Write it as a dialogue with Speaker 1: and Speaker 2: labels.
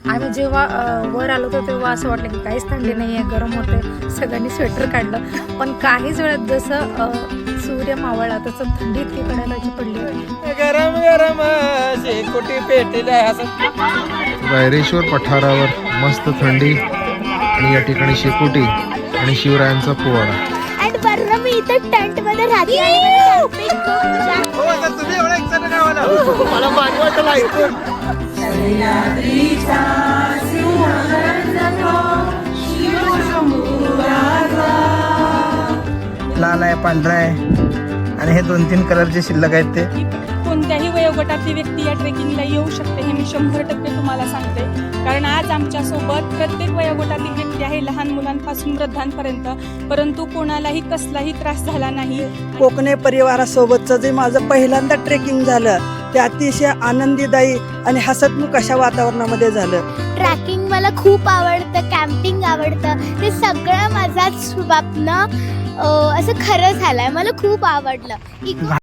Speaker 1: आम्ही जेव्हा वर आलो होतो तेव्हा असं वाटलं की काहीच थंडी नाही आहे, गरम होते. सगळ्यांनी स्वेटर काढलं, पण काहीच वेळात जसं सूर्य मावळला तसं थंडी इतकी कडायलाची पडली.
Speaker 2: गरम गरम शेकोटी पेटल्या
Speaker 3: रायरेश्वर पठारावर मस्त थंडी आणि या ठिकाणी शेकोटी आणि शिवरायांचा पोवाडा.
Speaker 4: आणि बरं मी इथं टेंट मध्ये राहते.
Speaker 2: तुम्ही एवढा एक्साइटेड आहे मला भारी वाटलं ऐकून. लाल आहे, पांढरा आहे आणि हे 2-3 कलरचे शिल्लक आहेत ते.
Speaker 5: कोणत्याही वयोगटातली व्यक्ती या ट्रेकिंगला येऊ शकते हे मी 100% तुम्हाला सांगते. कारण आज आमच्यासोबत प्रत्येक वयोगटातील व्यक्ती आहे, लहान मुलांपासून वृद्धांपर्यंत, परंतु कोणालाही कसलाही त्रास झाला नाही.
Speaker 6: कोकणे परिवारासोबतचं जे माझं पहिल्यांदा ट्रेकिंग झालं ते अतिशय आनंदीदायी आणि हसतमुख अशा वातावरणामध्ये झालं.
Speaker 4: ट्रॅकिंग मला खूप आवडतं, कॅम्पिंग आवडतं. ते सगळं माझा स्वप्न असं खरं झालंय. मला खूप आवडलं.